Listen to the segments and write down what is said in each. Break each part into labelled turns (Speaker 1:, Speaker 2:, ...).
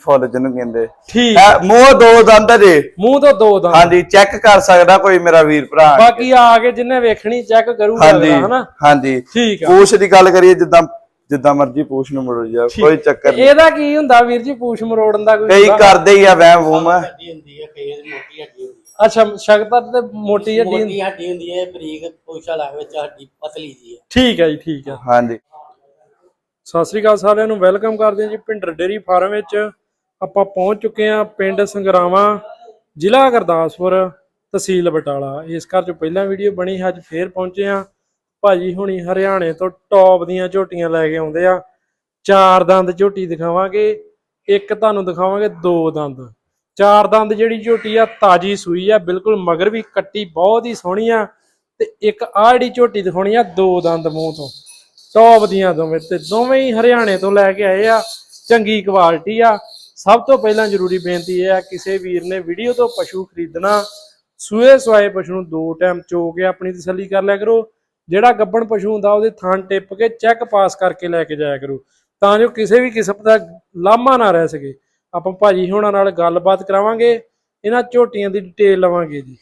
Speaker 1: ਫੁੱਲ ਜਿਹਨੂੰ ਕਹਿੰਦੇ।
Speaker 2: ਠੀਕ
Speaker 1: ਮੂੰਹ ਦੋ ਦੰਦ ਜੇ,
Speaker 2: ਮੂੰਹ ਤੋਂ ਦੋ ਦੰਦ।
Speaker 1: ਹਾਂਜੀ ਚੈੱਕ ਕਰ ਸਕਦਾ ਕੋਈ ਮੇਰਾ ਵੀਰ ਭਰਾ।
Speaker 2: ਬਾਕੀ ਆ ਕੇ ਜਿੰਨੇ ਵੇਖਣੀ ਚੈੱਕ ਕਰੂਗਾ ਹਨਾ।
Speaker 1: ਹਾਂਜੀ
Speaker 2: ਠੀਕ ਆ।
Speaker 1: ਪੂਛ ਦੀ ਗੱਲ ਕਰੀਏ ਜਿੱਦਾਂ ਮਰਜੀ ਪੂਛ ਨੂੰ ਮਰੋ ਜਾ, ਕੋਈ ਚੱਕਰ ਨਹੀਂ।
Speaker 2: ਇਹਦਾ ਕੀ ਹੁੰਦਾ ਵੀਰ ਜੀ ਪੂਛ ਮਰੋੜਨ ਦਾ? ਕੋਈ
Speaker 1: ਕਈ ਕਰਦੇ ਹੀ ਆ ਵਹਿਮ ਵੂਮ।
Speaker 2: ਅੱਛਾ ਸ਼ਕਤਰ ਤੇ ਮੋਟੀ ਹੱਡੀ
Speaker 3: ਹੁੰਦੀ ਹੈ, ਬਰੀਕ ਪੂਛ ਵਾਲਾ ਵਿੱਚ ਹੱਡੀ ਪਤਲੀ ਜੀ ਹੈ।
Speaker 2: ਠੀਕ ਹੈ ਜੀ, ਠੀਕ ਹੈ।
Speaker 1: ਹਾਂਜੀ
Speaker 2: ਸਤਿ ਸ੍ਰੀ ਅਕਾਲ ਸਾਰਿਆਂ ਨੂੰ, ਵੈਲਕਮ ਕਰਦੇ ਹਾਂ ਜੀ ਭਿੰਡਰ ਡੇਅਰੀ ਫਾਰਮ ਵਿੱਚ। ਆਪਾਂ ਪਹੁੰਚ ਚੁੱਕੇ ਹਾਂ ਪਿੰਡ ਸੰਗਰਾਵਾਂ, ਜ਼ਿਲ੍ਹਾ ਗੁਰਦਾਸਪੁਰ, ਤਹਿਸੀਲ ਬਟਾਲਾ। ਇਸ ਘਰ 'ਚ ਪਹਿਲਾਂ ਵੀਡੀਓ ਬਣੀ, ਅੱਜ ਫੇਰ ਪਹੁੰਚੇ ਹਾਂ। ਭਾਜੀ ਹੁਣੀ ਹਰਿਆਣੇ ਤੋਂ ਟੌਪ ਦੀਆਂ ਝੋਟੀਆਂ ਲੈ ਕੇ ਆਉਂਦੇ ਆ। 4 ਦੰਦ ਝੋਟੀ ਦਿਖਾਵਾਂਗੇ, ਇੱਕ ਤੁਹਾਨੂੰ ਦਿਖਾਵਾਂਗੇ 2 ਦੰਦ। 4 ਦੰਦ ਜਿਹੜੀ ਝੋਟੀ ਆ ਤਾਜੀ ਸੂਈ ਆ, ਬਿਲਕੁਲ ਮਗਰ ਵੀ ਕੱਟੀ ਬਹੁਤ ਹੀ ਸੋਹਣੀ ਆ। ਤੇ ਇੱਕ ਆਹ ਜਿਹੜੀ ਝੋਟੀ ਦਿਖਾਉਣੀ ਆ 2 ਦੰਦ ਮੂੰਹ ਤੋਂ, ਟੌਪ ਦੀਆਂ ਦੋਵੇਂ, ਤੇ ਦੋਵੇਂ ਹੀ ਹਰਿਆਣੇ ਤੋਂ ਲੈ ਕੇ ਆਏ ਆ। ਚੰਗੀ ਕੁਆਲਿਟੀ ਆ। ਸਭ ਤੋਂ ਪਹਿਲਾਂ ਜ਼ਰੂਰੀ ਬੇਨਤੀ ਇਹ ਆ, ਕਿਸੇ ਵੀਰ ਨੇ ਵੀਡੀਓ ਤੋਂ ਪਸ਼ੂ ਖਰੀਦਣਾ, ਸੂਏ ਸਵਾਏ ਪਸ਼ੂ ਨੂੰ 2 ਟਾਈਮ ਚੋ ਕੇ ਆਪਣੀ ਤਸੱਲੀ ਕਰ ਲਿਆ ਕਰੋ। ਜਿਹੜਾ ਗੱਭਣ ਪਸ਼ੂ ਹੁੰਦਾ ਉਹਦੇ ਥਣ ਟਿੱਪ ਕੇ ਚੈੱਕ ਪਾਸ ਕਰਕੇ ਲੈ ਕੇ ਜਾਇਆ ਕਰੋ, ਤਾਂ ਜੋ ਕਿਸੇ ਵੀ ਕਿਸਮ ਦਾ ਲਾਮਾ ਨਾ ਰਹਿ ਸਕੇ। ਆਪਾਂ ਭਾਜੀ ਹੋਣਾ ਨਾਲ ਗੱਲਬਾਤ ਕਰਾਵਾਂਗੇ, ਇਹਨਾਂ ਝੋਟੀਆਂ ਦੀ ਡਿਟੇਲ ਲਵਾਂਗੇ ਜੀ।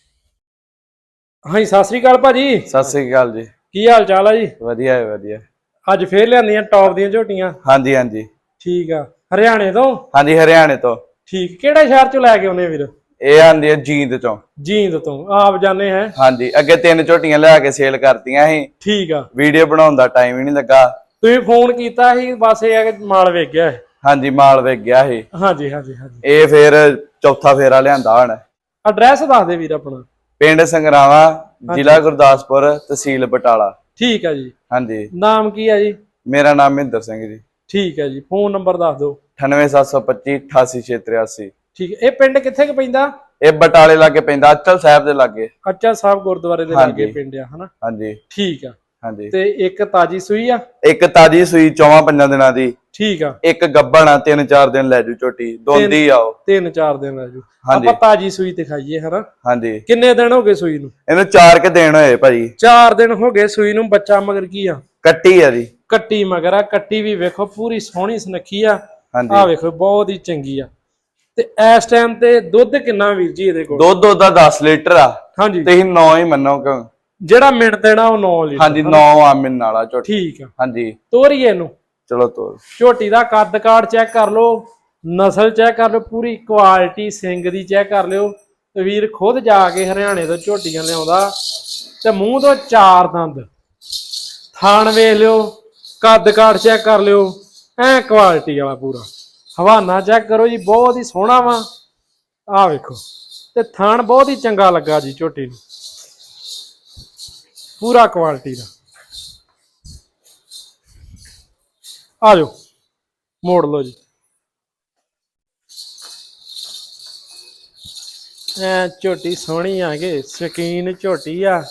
Speaker 2: ਹਾਂਜੀ ਸਤਿ ਸ੍ਰੀ ਅਕਾਲ ਭਾਜੀ।
Speaker 1: ਸਤਿ ਸ੍ਰੀ ਅਕਾਲ ਜੀ,
Speaker 2: ਕੀ ਹਾਲ ਚਾਲ ਆ ਜੀ?
Speaker 1: ਵਧੀਆ ਹੈ ਵਧੀਆ।
Speaker 2: ਅੱਜ ਫੇਰ ਲਿਆਂਦੀਆਂ ਟੌਪ ਦੀਆਂ ਝੋਟੀਆਂ?
Speaker 1: ਹਾਂਜੀ ਹਾਂਜੀ
Speaker 2: ਠੀਕ ਆ। ਹਰਿਆਣੇ ਤੋਂ?
Speaker 1: ਹਾਂਜੀ ਹਰਿਆਣੇ ਤੋਂ।
Speaker 2: ਠੀਕ, ਕਿਹੜੇ ਸ਼ਹਿਰ ਚੋਂ ਲੈ ਕੇ ਆਉਨੇ ਵੀਰ?
Speaker 1: ਇਹ ਆਂਦੀ ਹੈ ਜੀਂਦ ਚੋਂ।
Speaker 2: ਜੀਂਦ ਤੋਂ ਆਪ ਜਾਣੇ ਹੈ?
Speaker 1: ਹਾਂਜੀ ਅੱਗੇ 3 ਝੋਟੀਆਂ ਲਿਆ ਕੇ ਸੇਲ ਕਰਤੀਆਂ ਸੀ।
Speaker 2: ਠੀਕ ਆ।
Speaker 1: ਵੀਡੀਓ ਬਣਾਉਣ ਦਾ ਟਾਈਮ ਹੀ ਨਹੀਂ ਲੱਗਾ।
Speaker 2: ਤੁਸੀਂ ਫੋਨ ਕੀਤਾ ਸੀ, ਬਸ ਇਹ ਆ ਕਿ ਮਾਲ ਵੇਚ ਗਿਆ ਹੈ।
Speaker 1: ਹਾਂਜੀ ਮਾਲ ਵੇਚ ਗਿਆ ਸੀ।
Speaker 2: ਹਾਂਜੀ ਹਾਂਜੀ ਹਾਂਜੀ।
Speaker 1: ਇਹ ਫੇਰ ਚੌਥਾ ਫੇਰਾ ਲਿਆਂਦਾ ਹੁਣ।
Speaker 2: ਐਡਰੈਸ ਦੱਸ ਦੇ ਵੀਰ ਆਪਣਾ।
Speaker 1: ਪਿੰਡ ਸੰਗਰਾਵਾਂ, ਜ਼ਿਲ੍ਹਾ ਗੁਰਦਾਸਪੁਰ, ਤਹਿਸੀਲ ਬਟਾਲਾ।
Speaker 2: ਠੀਕ ਆ ਜੀ।
Speaker 1: ਹਾਂਜੀ
Speaker 2: ਨਾਮ ਕੀ ਆ ਜੀ?
Speaker 1: ਮੇਰਾ ਨਾਮ ਮਹਿੰਦਰ ਸਿੰਘ ਜੀ।
Speaker 2: ਠੀਕ ਹੈ ਜੀ। ਫੋਨ ਨੰਬਰ ਦੱਸ ਦਿਓ।
Speaker 1: 98725 88683।
Speaker 2: ਠੀਕ ਹੈ। ਇਹ ਪਿੰਡ ਕਿੱਥੇ ਕੁ ਪੈਂਦਾ?
Speaker 1: ਇਹ ਬਟਾਲੇ ਲਾਗੇ ਪੈਂਦਾ, ਅਚਲ ਸਾਹਿਬ ਦੇ ਲਾਗੇ।
Speaker 2: ਅੱਚਾ ਸਾਹਿਬ ਗੁਰਦੁਆਰੇ ਦੇ ਲਾਗੇ ਪਿੰਡ ਆ ਹਨਾ?
Speaker 1: ਹਾਂਜੀ
Speaker 2: ਠੀਕ ਆ।
Speaker 1: ਹਾਂਜੀ
Speaker 2: ਤੇ ਇੱਕ ਤਾਜੀ ਸੂਈ ਆ?
Speaker 1: ਇੱਕ ਤਾਜੀ ਸੂਈ 4-5 ਦਿਨਾਂ ਦੀ।
Speaker 2: ਠੀਕ ਆ।
Speaker 1: ਇੱਕ ਗੱਭਣ ਆ, 3-4 ਦਿਨ ਲੈ ਜੂ ਝੋਟੀ, ਦੋਂਦੀ ਆਓ।
Speaker 2: 3-4 ਦਿਨ ਲੈ ਜੂ। ਆਪਾਂ ਤਾਜੀ ਸੂਈ ਦਿਖਾਈਏ ਹਨਾ?
Speaker 1: ਹਾਂਜੀ।
Speaker 2: ਕਿੰਨੇ ਦਿਨ ਹੋ ਗਏ ਸੂਈ ਨੂੰ?
Speaker 1: ਇਹਨੂੰ 4 ਕੇ ਦਿਨ ਹੋਏ ਭਾਜੀ। 4
Speaker 2: ਦਿਨ ਹੋ ਗਏ ਸੂਈ ਨੂੰ। ਬੱਚਾ ਮਗਰ ਕੀ ਆ?
Speaker 1: ਕੱਟੀ ਆ ਜੀ।
Speaker 2: ਕੱਟੀ ਮਗਰ ਆ। ਕੱਟੀ ਵੀ ਵੇਖੋ ਪੂਰੀ ਸੋਹਣੀ ਸੁਨੱਖੀ ਆ।
Speaker 1: ਹਾਂਜੀ
Speaker 2: ਆ ਵੇਖੋ ਬਹੁਤ ਹੀ ਚੰਗੀ ਆ। ਤੇ ਇਸ ਟਾਈਮ ਤੇ ਦੁੱਧ ਕਿੰਨਾ ਵੀਰ ਜੀ ਇਹਦੇ ਕੋਲ?
Speaker 1: ਦੁੱਧ ਉਹਦਾ 10 ਲੀਟਰ ਆ।
Speaker 2: ਹਾਂਜੀ
Speaker 1: ਤੁਸੀਂ 9 ਹੀ ਮੰਨੋ ਕਿਉਂ?
Speaker 2: ਜਿਹੜਾ ਮਿੰਟ ਦੇਣਾ ਉਹ 9 ਲੀਟਰ।
Speaker 1: ਹਾਂਜੀ 9 ਆ ਮਿੰਨ ਵਾਲਾ ਝੋਟੀ।
Speaker 2: ਠੀਕ ਆ।
Speaker 1: ਹਾਂਜੀ
Speaker 2: ਤੋਰੀਏ ਇਹਨੂੰ।
Speaker 1: ਚਲੋ ਤੋਰ।
Speaker 2: ਝੋਟੀ ਦਾ ਕੱਦ ਕਾਠ ਚੈੱਕ ਕਰ ਲਓ, ਨਸਲ ਚੈੱਕ ਕਰ ਲਓ, ਪੂਰੀ ਕੁਆਲਿਟੀ ਸਿੰਗ ਦੀ ਚੈੱਕ ਕਰ ਲਿਓ। ਤੇ ਵੀਰ ਖੁਦ ਜਾ ਕੇ ਹਰਿਆਣੇ ਤੋਂ ਝੋਟੀਆਂ ਲਿਆਉਂਦਾ। ਤੇ ਮੂੰਹ ਤੋਂ 4 ਦੰਦ, ਥਾਣ ਵੇਖ ਲਿਓ, ਕੱਦ ਕਾਠ ਚੈੱਕ ਕਰ ਲਿਓ, ਐ ਕੁਆਲਿਟੀ ਵਾਲਾ ਪੂਰਾ। ਹਵਾਨਾ ਚੈੱਕ ਕਰੋ ਜੀ, ਬਹੁਤ ਹੀ ਸੋਹਣਾ ਵਾ। ਆਹ ਵੇਖੋ, ਤੇ ਥਾਣ ਬਹੁਤ ਹੀ ਚੰਗਾ ਲੱਗਾ ਜੀ ਝੋਟੀ ਨੂੰ, ਪੂਰਾ ਕੁਆਲਿਟੀ ਦਾ। ਆ ਜਾਓ ਮੋੜ ਲਓ ਜੀ। ਐ ਝੋਟੀ ਸੋਹਣੀ ਆ ਗਏ, ਸ਼ਕੀਨ ਝੋਟੀ ਆ।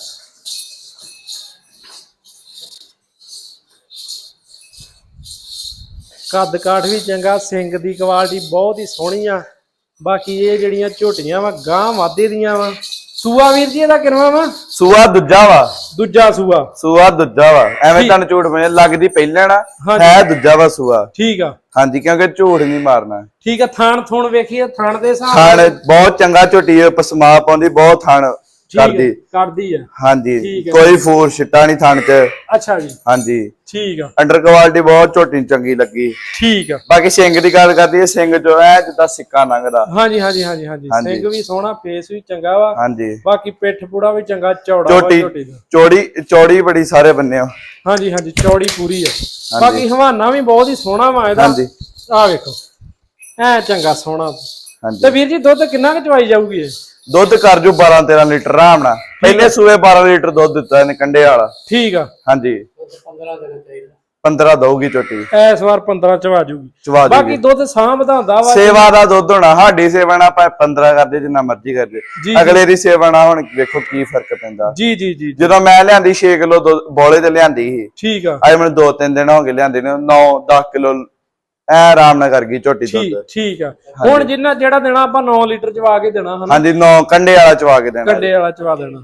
Speaker 2: ਕੱਦ ਕਾਠ ਵੀ ਚੰਗਾ, ਸਿੰਗ ਦੀ ਕੁਆਲਿਟੀ ਬਹੁਤ ਹੀ ਸੋਹਣੀ ਆ। ਬਾਕੀ ਇਹ ਜਿਹੜੀਆਂ ਝੋਟੀਆਂ ਵਾ ਗਾਂ ਵਾਧੇ ਦੀਆਂ ਵਾ। ਸੂਆ ਵੀਰ ਜੀ ਇਹਦਾ ਕਿੰਨਾ ਵਾ?
Speaker 1: ਸੂਆ ਦੂਜਾ ਵਾ।
Speaker 2: ਦੂਜਾ ਸੂਆ?
Speaker 1: ਸੂਆ ਦੂਜਾ ਵਾ। ਐਵੇਂ ਤੁਹਾਨੂੰ ਝੂਠ ਮੈਂ ਲੱਗਦੀ ਪਹਿਲਾਂ ਨਾ ਹੈ ਦੂਜਾ ਵਾ ਸੂਆ।
Speaker 2: ਠੀਕ ਆ।
Speaker 1: ਹਾਂਜੀ ਕਿਉਂਕਿ ਝੂਠ ਨਹੀਂ ਮਾਰਨਾ।
Speaker 2: ਠੀਕ ਆ। ਥਾਣ ਥੁਣ ਵੇਖੀਏ, ਥਾਣ ਦੇ ਹਿਸਾਬ
Speaker 1: ਥਾਣ ਬਹੁਤ ਚੰਗਾ ਝੋਟੀ ਹੈ, ਪਸਮਾ ਪਾਉਂਦੀ, ਬਹੁਤ ਥਾਣ
Speaker 2: ਕਰਦੀ ਆ।
Speaker 1: ਹਾਂਜੀ ਕੋਈ ਫੋਰ ਛਿੱਟਾ ਨਹੀਂ ਥਣ ਚ।
Speaker 2: ਅੱਛਾ ਜੀ।
Speaker 1: ਹਾਂਜੀ
Speaker 2: ਠੀਕ ਆ।
Speaker 1: ਅੰਡਰ ਕੁਆਲਿਟੀ ਬਹੁਤ ਝੋਟੀ ਚੰਗੀ ਲੱਗੀ।
Speaker 2: ਠੀਕ ਆ।
Speaker 1: ਬਾਕੀ ਸਿੰਘ ਦੀ ਗੱਲ ਕਰਦੀ ਹੈ, ਸਿੰਘ ਜੋ ਹੈ ਜਿੱਦਾਂ ਸਿੱਕਾ ਲੰਘਦਾ।
Speaker 2: ਹਾਂਜੀ ਹਾਂਜੀ ਹਾਂਜੀ ਹਾਂਜੀ। ਸਿੰਘ ਵੀ ਸੋਹਣਾ, ਫੇਸ ਵੀ ਚੰਗਾ ਵਾ।
Speaker 1: ਹਾਂਜੀ
Speaker 2: ਬਾਕੀ ਪਿੱਠ ਪੂੜਾ ਵੀ ਚੰਗਾ, ਚੌੜਾ ਵਾ ਝੋਟੀ ਦਾ।
Speaker 1: ਚੌੜੀ ਬੜੀ ਸਾਰੇ ਬੰਨੇ।
Speaker 2: ਹਾਂਜੀ ਹਾਂਜੀ ਚੌੜੀ ਪੂਰੀ ਆ। ਬਾਕੀ ਹਵਾਨਾ ਵੀ ਬਹੁਤ ਹੀ ਸੋਹਣਾ ਵਾ ਇਹਦਾ।
Speaker 1: ਹਾਂਜੀ
Speaker 2: ਆ ਵੇਖੋ ਐ ਚੰਗਾ ਸੋਹਣਾ।
Speaker 1: ਹਾਂਜੀ
Speaker 2: ਤੇ ਵੀਰ ਜੀ ਦੁੱਧ ਕਿੰਨਾ ਕੁ ਚਵਾਈ ਜਾਊਗੀ ਇਹ?
Speaker 1: ਦੁੱਧ ਕਰ ਜੂ 12-13 ਲੀਟਰ ਆਰਾਮ ਨਾਲ। ਪਹਿਲੇ ਸੂਏ 12 ਲੀਟਰ ਦੁੱਧ ਦਿੱਤਾ ਇਹਨੇ ਕੰਡੇ ਵਾਲਾ।
Speaker 2: ਠੀਕ ਆ।
Speaker 1: ਹਾਂਜੀ
Speaker 3: 15 ਦੇਣਾ ਚਾਹੀਦਾ।
Speaker 1: 15 ਦਊਗੀ ਝੋਟੀ
Speaker 2: ਇਸ ਵਾਰ 15 ਚਵਾ ਜੂਗੀ। ਬਾਕੀ ਦੁੱਧ ਸਾਂ ਵਧਾਉਂਦਾ ਵਾ।
Speaker 1: ਸੇਵਾ ਦਾ ਦੁੱਧ ਹੋਣਾ, ਸਾਡੀ ਸੇਵਾ ਨਾਲ ਆਪਾਂ 15 ਕਰਦੇ ਜਿੰਨਾ ਮਰਜ਼ੀ ਕਰਦੇ, ਅਗਲੇ ਦੀ ਸੇਵਾ ਨਾਲ ਹੁਣ ਵੇਖੋ ਕੀ ਫਰਕ ਪੈਂਦਾ।
Speaker 2: ਜੀ ਜੀ ਜੀ।
Speaker 1: ਜਦੋਂ ਮੈਂ ਲਿਆਂਦੀ 6 ਕਿਲੋ ਬੋਲੇ ਤੇ ਲਿਆਂਦੀ ਸੀ।
Speaker 2: ਠੀਕ ਆ।
Speaker 1: ਅੱਜ ਮੈਨੂੰ 2-3 ਦਿਨ ਹੋ ਗਏ ਲਿਆਂਦੀ ਨੂੰ, 9-10 ਕਿਲੋ ਐ ਆਰਾਮ ਨਾਲ ਕਰ ਗਈ ਝੋਟੀ ਦੁੱਧ।
Speaker 2: ਠੀਕ ਆ। ਹੁਣ ਜਿਹੜਾ ਦੇਣਾ ਆਪਾਂ 9 ਲੀਟਰ ਚਵਾ ਕੇ ਦੇਣਾ ਹਨਾ?
Speaker 1: ਹਾਂਜੀ 9 ਕੰਡੇ ਵਾਲਾ ਚਵਾ ਕੇ ਦੇਣਾ।
Speaker 2: ਕੰਡੇ ਵਾਲਾ ਚਵਾ ਦੇਣਾ।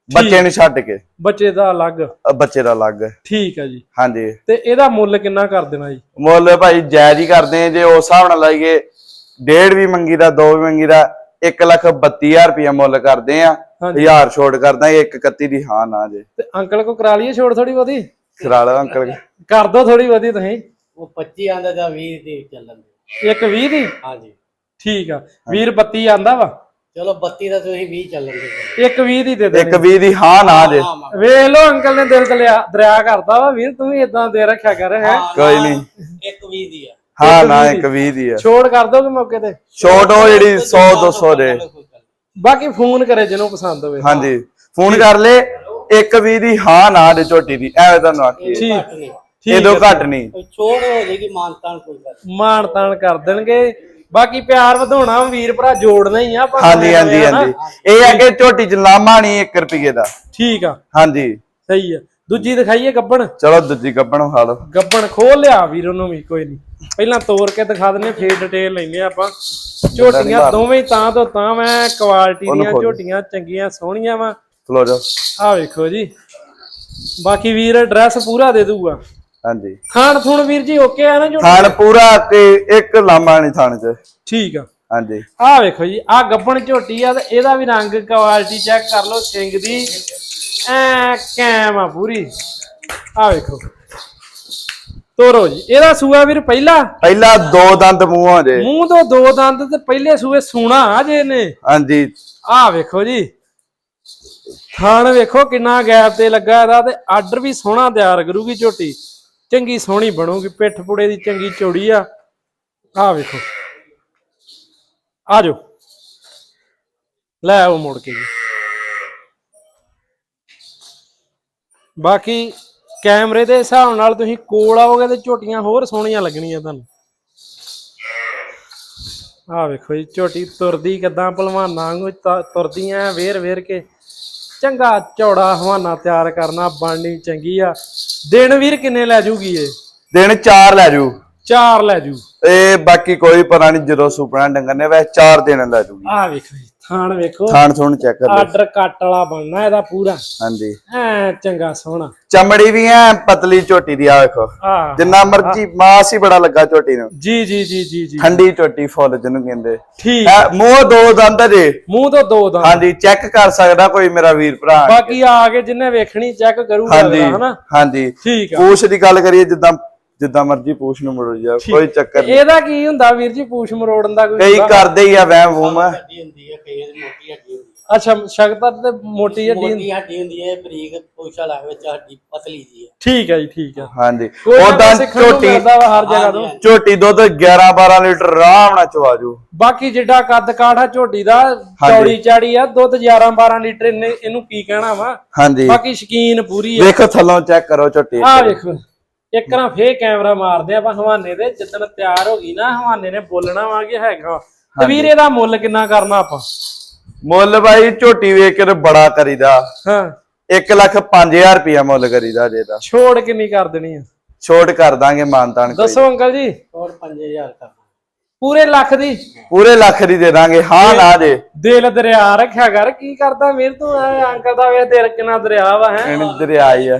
Speaker 1: ਬੱਚੇ ਨੂੰ ਛੱਡ ਕੇ
Speaker 2: ਬੱਚੇ ਦਾ ਅਲੱਗ
Speaker 1: ਬੱਚੇ ਦਾ ਅਲੱਗ।
Speaker 2: ਠੀਕ ਆ ਜੀ।
Speaker 1: ਹਾਂਜੀ
Speaker 2: ਤੇ ਇਹਦਾ ਮੁੱਲ ਕਿੰਨਾ ਕਰ ਦੇਣਾ ਜੀ?
Speaker 1: ਮੁੱਲ ਭਾਈ ਜਾਇਜ਼ ਹੀ ਕਰਦੇ ਆ, ਜੇ ਉਸ ਹਿਸਾਬ ਨਾਲ ਲਾਈਏ 1.5 ਵੀ ਮੰਗੀ ਦਾ 2 ਵੀ ਮੰਗੀ ਦਾ 1,32,000 ਰੁਪਇਆ ਮੁੱਲ ਕਰਦੇ ਆ। 1000 ਛੋੜ ਕਰਦਾ 1,31 ਦੀ ਹਾਂ ਨਾ ਜੇ।
Speaker 2: ਤੇ ਅੰਕਲ ਕੋ ਕਰਾ ਲਈਏ ਛੋੜ ਥੋੜੀ ਬਹੁਤੀ?
Speaker 1: ਕਰਾ ਲਓ ਅੰਕਲ
Speaker 2: ਕਰ ਦੋ ਥੋੜੀ ਬਹੁਤੀ ਤੁਸੀਂ।
Speaker 3: ਉਹ 25 ਆਂਦਾ ਜਾਂ 20 ਦੀ ਚੱਲਣ ਦੇ।
Speaker 2: 1,20 ਦੀ?
Speaker 3: ਹਾਂਜੀ
Speaker 2: ਠੀਕ ਆ। ਵੀਰ 32 ਆਂਦਾ ਵਾ,
Speaker 3: ਚਲੋ 32 ਦਾ ਤੁਸੀਂ 20 ਚੱਲਣ ਦੇ।
Speaker 2: 1,20 ਦੀ ਦੇ ਦੇ।
Speaker 1: 1,20 ਦੀ ਹਾਂ ਨਾ ਜੇ।
Speaker 2: ਵੇਖ ਲੋ ਅੰਕਲ ਨੇ ਦਿਲ ਦਰਿਆ ਕਰਦਾ ਵਾ ਵੀਰ, ਤੂੰ ਵੀ ਇਦਾਂ ਦੇ ਰੱਖਿਆ ਕਰ ਹੈ।
Speaker 1: ਕੋਈ ਨਹੀਂ
Speaker 3: 1,20 ਦੀ ਆ।
Speaker 1: ਹਾਂ ਨਾ 1,20 ਦੀ ਆ।
Speaker 2: ਛੋੜ ਕਰ ਦੋਗੇ ਮੌਕੇ ਤੇ?
Speaker 1: ਛੋਟ ਉਹ ਜਿਹੜੀ 100-200 ਦੇ।
Speaker 2: ਬਾਕੀ ਫੋਨ ਕਰੇ ਜਿਹਨੂੰ ਪਸੰਦ ਹੋਵੇ।
Speaker 1: ਹਾਂਜੀ ਫੋਨ ਕਰ ਲੈ। 1,20 ਦੀ ਹਾਂ ਨਾ ਦੇ ਝੋਟੀ ਦੀ, ਐਵੇਂ ਤੁਹਾਨੂੰ ਆਖੀ
Speaker 2: ਠੀਕ
Speaker 1: ਇਹਦੋਂ ਘੱਟ ਨਹੀਂ।
Speaker 3: ਛੋੜ ਹੋ ਜਾਏਗੀ, ਮਾਨਤਾਨ ਕੋਈ ਗੱਲ।
Speaker 2: ਮਾਨ ਤਾਨ ਕਰ ਦੇਣਗੇ। ਬਾਕੀ ਪਿਆਰ ਵਧਾਉਣਾ ਵੀਰ ਭਰਾ ਜੋੜਨਾ ਹੀ ਆ ਆਪਾਂ।
Speaker 1: ਹਾਂਜੀ ਹਾਂਜੀ ਹਾਂਜੀ ਇਹ ਆ ਕਿ ਝੋਟੀ ਚ ਲਾਮਾ ਨਹੀਂ 1 ਰੁਪਏ ਦਾ।
Speaker 2: ਠੀਕ ਆ
Speaker 1: ਹਾਂਜੀ
Speaker 2: ਸਹੀ ਆ। ਦੂਜੀ ਦਿਖਾਈਏ ਗੱਬਣ?
Speaker 1: ਚਲੋ ਦੂਜੀ ਗੱਬਣ ਖਾ ਲਓ।
Speaker 2: ਗੱਬਣ ਖੋਲ ਲਿਆ ਵੀਰ ਉਹਨੂੰ ਵੀ, ਕੋਈ ਨਹੀਂ ਪਹਿਲਾਂ ਤੋੜ ਕੇ ਦਿਖਾ ਦਿੰਨੇ, ਫੇਰ ਡਿਟੇਲ ਲੈਨੇ ਆਪਾਂ। ਝੋਟੀਆਂ ਦੋਵੇਂ ਤਾਂ ਤੋਂ ਤਾਂ ਮੈਂ ਕੁਆਲਿਟੀ ਦੀਆਂ ਝੋਟੀਆਂ ਚੰਗੀਆਂ ਸੋਹਣੀਆਂ ਵਾ।
Speaker 1: ਖਲੋ ਜਾ
Speaker 2: ਆ ਵੇਖੋ ਜੀ। ਬਾਕੀ ਵੀਰ ਐਡਰੈਸ ਪੂਰਾ ਦੇ ਦੂਗਾ।
Speaker 1: ਹਾਂਜੀ
Speaker 2: ਥਾਣ ਥੁਣ ਵੀਰ ਜੀ ਓਕੇ ਆ ਨਾ ਝੋਟੀ?
Speaker 1: ਥਾਣ ਪੂਰਾ ਤੇ ਇੱਕ ਲਾਮਾ ਨਹੀਂ ਥਾਣ ਚ।
Speaker 2: ਠੀਕ ਆ।
Speaker 1: ਹਾਂਜੀ
Speaker 2: ਆ ਵੇਖੋ ਜੀ, ਆ ਗੱਬਣ ਝੋਟੀ ਆ ਤੇ ਇਹਦਾ ਵੀ ਰੰਗ ਕੁਆਲਿਟੀ ਚੈੱਕ ਕਰ ਲਓ। ਸਿੰਘ ਦੀ ਐ ਕੈਮ ਆ ਪੂਰੀ। ਆ ਵੇਖੋ ਤੋਰੋ ਜੀ। ਇਹਦਾ ਸੂਆ ਵੀਰ
Speaker 1: ਪਹਿਲਾ 2 ਦੰਦ ਮੂੰਹੋਂ ਜੇ।
Speaker 2: ਮੂੰਹ ਤੋਂ 2 ਦੰਦ ਤੇ ਪਹਿਲੇ ਸੂਏ ਸੂਣਾ ਆ ਜੇ ਨੇ।
Speaker 1: ਹਾਂਜੀ
Speaker 2: ਆ ਵੇਖੋ ਜੀ ਥਣ ਵੇਖੋ ਕਿੰਨਾ ਗੈਪ ਤੇ ਲੱਗਾ ਇਹਦਾ, ਤੇ ਆਰਡਰ ਵੀ ਸੋਹਣਾ ਤਿਆਰ ਕਰੂਗੀ ਝੋਟੀ। ਚੰਗੀ ਸੋਹਣੀ ਬਣੂਗੀ, ਪਿੱਠ ਪੁੜੇ ਦੀ ਚੰਗੀ ਚੌੜੀ ਆ। ਆ ਵੇਖੋ ਆ ਜਾਓ ਲੈ ਆਓ ਮੁੜ ਕੇ ਜੀ। ਬਾਕੀ ਕੈਮਰੇ ਦੇ ਹਿਸਾਬ ਨਾਲ ਤੁਸੀਂ ਕੋਲ ਆਓਗੇ ਤੇ ਝੋਟੀਆਂ ਹੋਰ ਸੋਹਣੀਆਂ ਲੱਗਣੀਆਂ ਤੁਹਾਨੂੰ। ਆ ਵੇਖੋ ਜੀ ਝੋਟੀ ਤੁਰਦੀ ਕਿਦਾਂ ਭਲਵਾਨਾਂ ਵਾਂਗੂ ਤੁਰਦੀਆਂ ਵੇਰ ਕੇ। ਚੰਗਾ ਚੌੜਾ ਹਵਾਨਾ ਤਿਆਰ ਕਰਨਾ, ਬਣਨੀ ਚੰਗੀ ਆ। ਦਿਨ ਵੀਰ ਕਿੰਨੇ ਲੈ ਜੂਗੀ ਇਹ?
Speaker 1: ਦਿਨ 4 ਲੈ ਜੂ।
Speaker 2: 4 ਲੈ ਜੂ।
Speaker 1: ਇਹ ਬਾਕੀ ਕੋਈ ਪਤਾ ਨਹੀਂ, ਜਦੋਂ ਸੁਪਨਾ ਡੰਗਰ ਨੇ ਵੈਸੇ 4 ਦਿਨ ਲੈ ਜੂਗੀ।
Speaker 2: ਆ ਵੇਖੋ ਜੀ ਥਾਣ ਵੇਖੋ,
Speaker 1: ਥਾਣ ਥੁਣ ਚੈੱਕ ਕਰ ਲਓ।
Speaker 2: ਆਰਡਰ ਕੱਟ ਵਾਲਾ ਬਣਨਾ ਇਹਦਾ ਪੂਰਾ।
Speaker 1: ਹਾਂਜੀ
Speaker 2: ਐ ਚੰਗਾ ਸੋਹਣਾ।
Speaker 1: ਚਮੜੀ ਵੀ ਐ ਪਤਲੀ ਝੋਟੀ ਦੀ। ਆ ਵੇਖੋ
Speaker 2: ਆ
Speaker 1: ਜਿੰਨਾ ਮਰਜੀ ਮਾਸ ਹੀ ਬੜਾ ਲੱਗਾ ਝੋਟੀ ਨੂੰ।
Speaker 2: ਜੀ ਜੀ ਜੀ ਜੀ ਜੀ
Speaker 1: ਠੰਡੀ ਝੋਟੀ ਫੁੱਲ ਜਿਹਨੂੰ ਕਹਿੰਦੇ।
Speaker 2: ਠੀਕ
Speaker 1: ਮੂੰਹ 2 ਦੰਦ ਜੇ।
Speaker 2: ਮੂੰਹ ਤੋਂ 2 ਦੰਦ।
Speaker 1: ਹਾਂਜੀ ਚੈੱਕ ਕਰ ਸਕਦਾ ਕੋਈ ਮੇਰਾ ਵੀਰ ਭਰਾ।
Speaker 2: ਬਾਕੀ ਆ ਕੇ ਜਿੰਨੇ ਵੇਖਣੀ ਚੈੱਕ ਕਰੂਗਾ ਹਨਾ।
Speaker 1: ਹਾਂਜੀ
Speaker 2: ਠੀਕ ਆ।
Speaker 1: ਪੂਛ ਦੀ ਗੱਲ ਕਰੀਏ ਜਿੱਦਾਂ ਮਰਜੀ ਪੂਛ ਨੂੰ ਮਰੋ ਜਾ, ਕੋਈ ਚੱਕਰ ਨਹੀਂ।
Speaker 2: ਇਹਦਾ ਕੀ ਹੁੰਦਾ ਵੀਰ ਜੀ ਪੂਛ ਮਰੋੜਨ ਦਾ? ਕੋਈ
Speaker 1: ਕਈ ਕਰਦੇ ਹੀ ਆ ਵਹਿਮ ਵੂਮ।
Speaker 3: ਹੱਡੀ ਹੁੰਦੀ ਹੈ, ਕਈ ਦੀ ਮੋਟੀ ਹੱਡੀ ਹੁੰਦੀ ਹੈ।
Speaker 2: ਅੱਛਾ ਸ਼ਕਤਰ ਤੇ ਮੋਟੀ ਹੱਡੀ।
Speaker 3: ਮੋਟੀ ਹੱਡੀ ਹੁੰਦੀ ਹੈ, ਬਰੀਕ ਪੂਛਾ ਲੱਗ ਵਿੱਚ ਹੱਡੀ ਪਤਲੀ ਜੀ ਹੈ।
Speaker 2: ਠੀਕ ਹੈ ਜੀ ਠੀਕ ਹੈ।
Speaker 1: ਹਾਂਜੀ
Speaker 2: ਉਦਾਂ
Speaker 1: ਝੋਟੀ
Speaker 2: ਹਰ ਜਗ੍ਹਾ ਤੋਂ
Speaker 1: ਝੋਟੀ ਦੁੱਧ 11-12 ਲੀਟਰ ਆਰਾਮ ਨਾਲ ਚਵਾ ਜੂ।
Speaker 2: ਬਾਕੀ ਜਿੱਡਾ ਕੱਦ ਕਾਠਾ ਝੋਟੀ ਦਾ ਚੌੜੀ ਚਾੜੀ ਆ, ਦੁੱਧ 11-12 ਲੀਟਰ ਇਹਨੂੰ ਕੀ ਕਹਿਣਾ ਵਾ।
Speaker 1: ਹਾਂਜੀ
Speaker 2: ਬਾਕੀ ਸ਼ਕੀਨ ਪੂਰੀ ਆ।
Speaker 1: ਵੇਖੋ ਥੱਲੋਂ ਚੈੱਕ ਕਰੋ ਝੋਟੀ।
Speaker 2: ਆ ਵੇਖੋ ਇੱਕ ਨਾ ਫੇਰ ਕੈਮਰਾ ਮਾਰਦੇ ਆਪਾਂ ਹਵਾਨੇ ਦੇ। ਜਿੱਦਣ ਤਿਆਰ ਹੋ ਗਈ ਨਾ ਹਵਾਨੇ ਨੇ ਬੋਲਣਾ ਵਾ ਕਿ ਹੈਗਾ। ਤੇ ਵੀਰ ਇਹਦਾ ਮੁੱਲ ਕਿੰਨਾ ਕਰਨਾ ਆਪਾਂ?
Speaker 1: ਮੁੱਲ ਬਾਈ ਝੋਟੀ ਵੇਖ ਕੇ ਬੜਾ ਕਰੀਦਾ।
Speaker 2: ਹਾਂ
Speaker 1: 1,05,000 ਰੁਪਇਆ ਮੁੱਲ ਕਰੀਦਾ ਜੇ ਦਾ।
Speaker 2: ਛੋੜ ਕਿੰਨੀ ਕਰ ਦੇਣੀ ਆ?
Speaker 1: ਛੋਟ ਕਰ ਦਾਂਗੇ ਮਾਨਤਾਨ।
Speaker 2: ਦੱਸੋ ਅੰਕਲ ਜੀ।
Speaker 3: ਹੋਰ 5000 ਕਰਨਾ।
Speaker 2: ਪੂਰੇ ਲੱਖ ਦੀ?
Speaker 1: ਪੂਰੇ ਲੱਖ ਦੀ ਦੇ ਦਾਂਗੇ ਹਾਂ ਨਾ ਜੇ।
Speaker 2: ਦਿਲ ਦਰਿਆ ਰੱਖਿਆ ਕਰ। ਕੀ ਕਰਦਾ ਵੀਰ ਤੂੰ? ਅੰਕਲ ਦਾ ਵੇ ਦਿਲ ਕਿੰਨਾ ਦਰਿਆ ਵਾ ਹੈ।
Speaker 1: ਦਰਿਆ ਹੀ ਆ।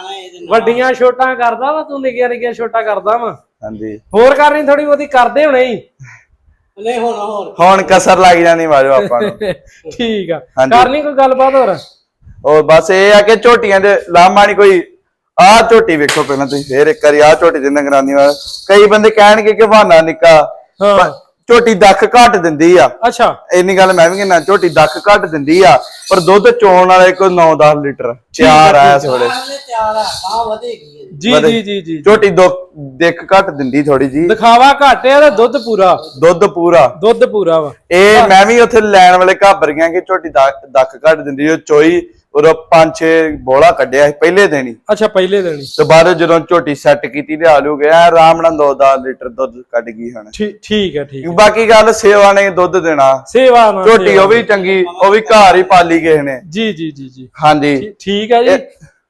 Speaker 2: ਵੱਡੀਆਂ ਛੋਟਾਂ ਕਰਦਾ ਵਾ ਤੂੰ, ਨਿੱਕੀਆਂ ਛੋਟਾਂ ਕਰਦਾ ਵਾ।
Speaker 1: ਹਾਂਜੀ
Speaker 2: ਹੋਰ ਕਰਨੀ ਥੋੜੀ ਬਹੁਤੀ ਕਰਦੇ ਹੋਣੇ ਹੀ।
Speaker 3: ਨਹੀਂ
Speaker 1: ਹੁਣ ਕਸਰ ਲੱਗ ਜਾਂਦੀ ਮਾਜੋ ਆਪਾਂ ਨੂੰ।
Speaker 2: ਠੀਕ ਆ ਕਰਨੀ ਕੋਈ ਗੱਲਬਾਤ ਹੋਰ?
Speaker 1: ਉਹ ਬਸ ਇਹ ਆ ਕਿ ਝੋਟੀਆਂ ਦੇ ਲਾਮਾ ਨਹੀਂ ਕੋਈ। ਆਹ ਝੋਟੀ ਵੇਖੋ ਪਹਿਲਾਂ ਤੁਸੀਂ, ਫੇਰ ਇੱਕ ਵਾਰੀ ਆਹ ਝੋਟੀ ਦੇ ਨਗਰਾਨੀ ਵਾਲਾ। ਕਈ ਬੰਦੇ ਕਹਿਣਗੇ ਕਿ ਬਹਾਨਾ ਨਿੱਕਾ।
Speaker 2: ਹਾਂ
Speaker 1: ਝੋਟੀ ਦੱਖ ਘੱਟ ਦਿੰਦੀ ਆ।
Speaker 2: ਅੱਛਾ
Speaker 1: ਇੰਨੀ ਗੱਲ ਮੈਂ ਵੀ ਕਹਿੰਦਾ, ਝੋਟੀ ਦੱਖ ਘੱਟ ਦਿੰਦੀ ਆ ਪਰ ਦੁੱਧ ਚੋਣ ਵਾਲੇ ਕੋਈ 9-10 ਲੀਟਰ ਤਿਆਰ ਆ ਇਸ ਵੇਲੇ।
Speaker 3: ਤਿਆਰ ਆ ਤਾਂ ਵਧੇਗੀ
Speaker 2: ਜੀ ਜੀ ਜੀ ਜੀ।
Speaker 1: ਝੋਟੀ ਦਿੱਖ ਘੱਟ ਦਿੰਦੀ ਥੋੜੀ ਜੀ।
Speaker 2: ਦਿਖਾਵਾ ਘੱਟ ਆ ਤੇ ਦੁੱਧ ਪੂਰਾ।
Speaker 1: ਦੁੱਧ ਪੂਰਾ
Speaker 2: ਵਾ।
Speaker 1: ਇਹ ਮੈਂ ਵੀ ਉੱਥੇ ਲੈਣ ਵਾਲੇ ਘਾਬਰ ਗਿਆ ਕਿ ਝੋਟੀ ਦੱਖ ਘੱਟ ਦਿੰਦੀ। ਉਹ ਚੋਈ ਉਹ 5-6 ਬੋਲਾ ਕੱਢਿਆ ਸੀ ਪਹਿਲੇ ਦਿਨ ਹੀ।
Speaker 2: ਅੱਛਾ ਪਹਿਲੇ ਦਿਨ ਹੀ।
Speaker 1: ਤੇ ਬਾਅਦ ਜਦੋਂ ਝੋਟੀ ਸੈੱਟ ਕੀਤੀ ਤੇ ਆਲੂ ਗਿਆ ਆਰਾਮ ਨਾਲ 2-10 ਲੀਟਰ ਦੁੱਧ ਕੱਢ ਗਈ ਹੁਣ।
Speaker 2: ਠੀਕ ਹੈ ਠੀਕ।
Speaker 1: ਬਾਕੀ ਗੱਲ ਸੇਵਾ ਨੇ ਦੁੱਧ ਦੇਣਾ।
Speaker 2: ਸੇਵਾ ਨਾਲ
Speaker 1: ਝੋਟੀ ਉਹ ਵੀ ਚੰਗੀ, ਉਹ ਵੀ ਘਰ ਹੀ ਪਾਲੀ ਕਿਸੇ ਨੇ।
Speaker 2: ਜੀ ਜੀ ਜੀ ਜੀ ਹਾਂਜੀ ਠੀਕ ਹੈ ਜੀ।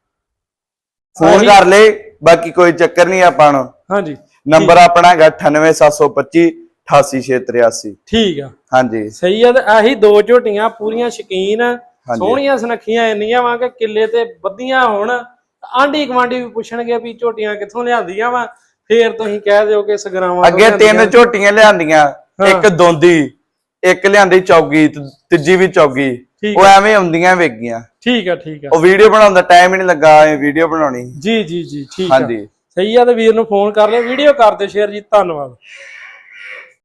Speaker 1: ਫੋਨ ਕਰ ਲੈ, ਬਾਕੀ ਕੋਈ ਚੱਕਰ ਨਹੀਂ ਆਪਾਂ ਨੂੰ।
Speaker 2: ਹਾਂਜੀ
Speaker 1: ਨੰਬਰ ਆਪਣਾ ਹੈਗਾ 9875 88683।
Speaker 2: ਠੀਕ ਆ
Speaker 1: ਹਾਂਜੀ
Speaker 2: ਸਹੀ ਆ। ਤੇ ਆਹੀ 2 ਝੋਟੀਆਂ ਪੂਰੀਆਂ ਸ਼ਕੀਨ ਸੋਹਣੀਆਂ ਸੁਨੱਖੀਆਂ ਇੰਨੀਆਂ ਵਾ ਕਿ ਕਿੱਲੇ ਤੇ ਬੱਧੀਆਂ ਹੋਣ, ਆਂਢੀ ਗੁਆਂਢੀ ਵੀ ਪੁੱਛਣਗੇ ਵੀ ਝੋਟੀਆਂ ਕਿੱਥੋਂ ਲਿਆਂਦੀਆਂ ਵਾ, ਫੇਰ ਤੁਸੀਂ ਕਹਿ ਦਿਓ ਕਿ ਸਗਰਾਵਾਂ
Speaker 1: ਅੱਗੇ 3 ਝੋਟੀਆਂ ਲਿਆਂਦੀਆਂ, ਇੱਕ ਦੋਂਦੀ, ਇੱਕ ਲਿਆਂਦੀ ਚੌਗੀ, ਤੀਜੀ ਵੀ ਚੌਗੀ, ਉਹ ਐਵੇਂ ਆਉਂਦੀਆਂ ਵੇਗੀਆਂ।
Speaker 2: ਠੀਕ ਆ ਠੀਕ ਆ।
Speaker 1: ਉਹ ਵੀਡੀਓ ਬਣਾਉਣ ਦਾ ਟਾਈਮ ਹੀ ਨਹੀਂ ਲੱਗਾ, ਵੀਡੀਓ ਬਣਾਉਣੀ।
Speaker 2: ਜੀ ਜੀ ਜੀ ਠੀਕ ਆ।
Speaker 1: ਹਾਂਜੀ
Speaker 2: ਸਹੀ ਆ। ਤੇ ਵੀਰ ਨੂੰ ਫੋਨ ਕਰ ਲਿਓ, ਵੀਡੀਓ ਕਰ ਦਿਓ ਸ਼ੇਅਰ ਜੀ। ਧੰਨਵਾਦ।